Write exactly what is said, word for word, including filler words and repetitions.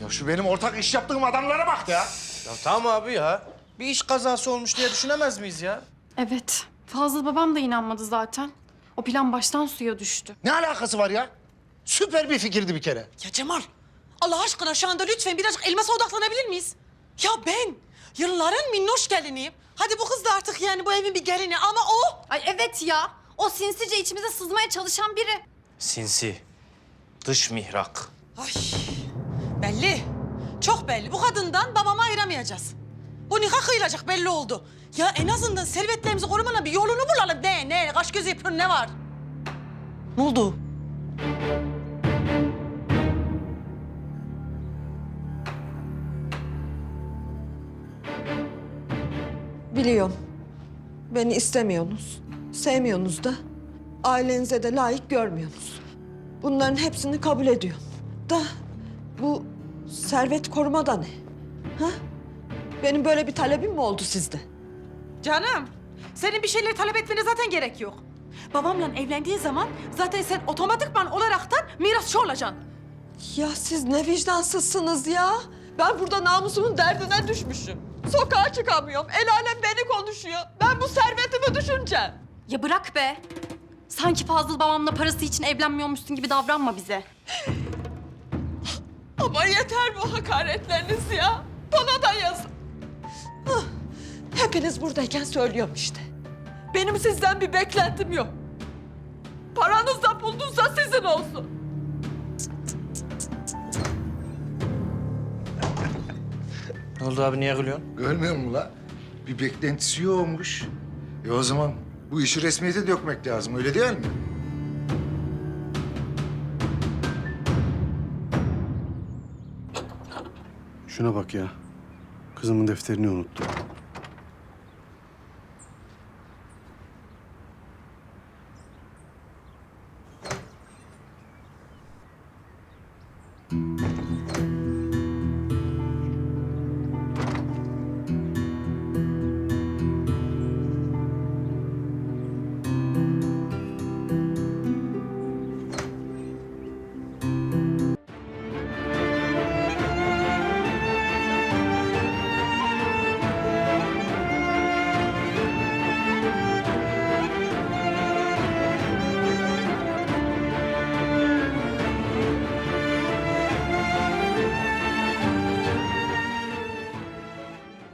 Ya şu benim ortak iş yaptığım adamlara bak ya. Ya tamam abi ya. Bir iş kazası olmuş diye düşünemez miyiz ya? Evet. Fazıl babam da inanmadı zaten. O plan baştan suya düştü. Ne alakası var ya? Süper bir fikirdi bir kere. Ya Cemal, Allah aşkına şu anda lütfen birazcık elmasa odaklanabilir miyiz? Ya ben yılların minnoş geliniyim. Hadi bu kız da artık yani bu evin bir gelini ama o... Ay evet ya. O sinsice içimize sızmaya çalışan biri. Sinsi. Dış mihrak. Ay belli, çok belli. Bu kadından babamı ayıramayacağız. Bu nikah kıyılacak belli oldu. Ya en azından servetlerimizi korumanın bir yolunu bulalım. Ne, ne, kaş gözü yapıyorsun, ne var? Ne oldu? Biliyorum. Beni istemiyorsunuz. Sevmiyorsunuz da. Ailenize de layık görmüyorsunuz. Bunların hepsini kabul ediyorum. Da bu servet koruma da ne? Ha? Benim böyle bir talebim mi oldu sizde? Canım, senin bir şeyleri talep etmene zaten gerek yok. Babamla evlendiğin zaman zaten sen otomatikman olaraktan mirasçı olacaksın. Ya siz ne vicdansızsınız ya. Ben burada namusumun derdine düşmüşüm. Sokağa çıkamıyorum. El alem beni konuşuyor. Ben bu servetimi düşüneceğim. Ya bırak be. Sanki Fazıl babamla parası için evlenmiyormuşsun gibi davranma bize. Ama yeter bu hakaretleriniz ya. Bana da yazın. Hah, hepiniz buradayken söylüyorum işte. Benim sizden bir beklentim yok. Paranız da buldunsa sizin olsun. Ne oldu abi, niye gülüyorsun? Görmüyor musun la? Bir beklentisi yokmuş. E o zaman bu işi resmiyete dökmek lazım, öyle değil mi? Şuna bak ya. Kızımın defterini unuttum.